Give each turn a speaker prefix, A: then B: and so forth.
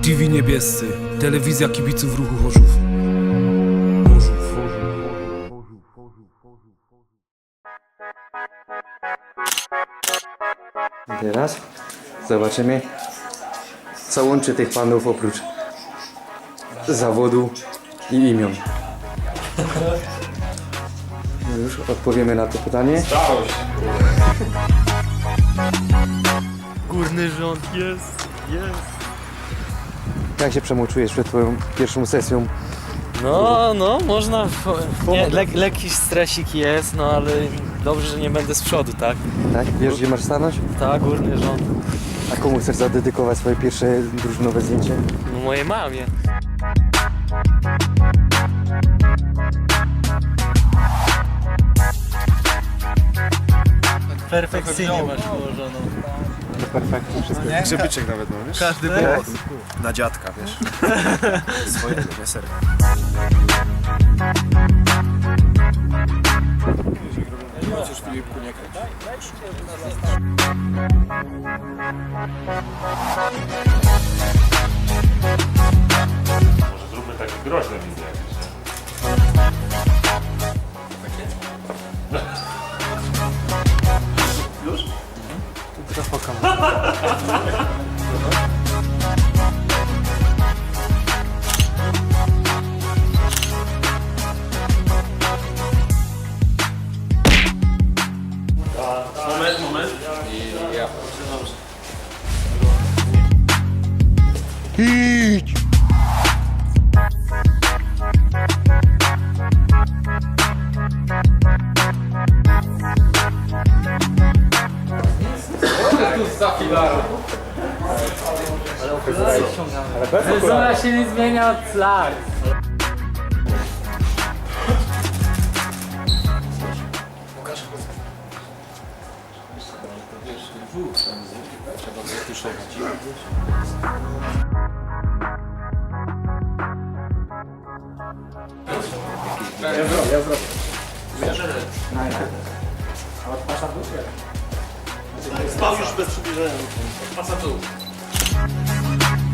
A: TV Niebiescy, telewizja kibiców ruchu Chorzów.
B: Teraz zobaczymy, co łączy tych panów oprócz zawodu i imion. No już odpowiemy na to pytanie.
C: Górny rząd jest.
B: Jak się czujesz przed twoją pierwszą sesją?
C: No, można. Nie, lekki stresik jest, no ale dobrze, że nie będę z przodu, tak?
B: Tak? Wiesz, gdzie masz stanąć?
C: Tak, górny rząd.
B: A komu chcesz zadedykować swoje pierwsze drużynowe zdjęcie?
C: No mojej mamie. Perfekcyjnie masz położoną.
B: Perfekcie wszystko.
D: Grzebyczek nawet mam, wiesz?
C: Każdy
D: Na dziadka, wiesz? Swoje, nie serio. Chociaż Filipku nie kręć.
E: Może zróbmy takie groźne wizje jakieś.
C: Fryzura się nie zmienia od lat.
E: Spał już bez przybliżenia. Pasa tu.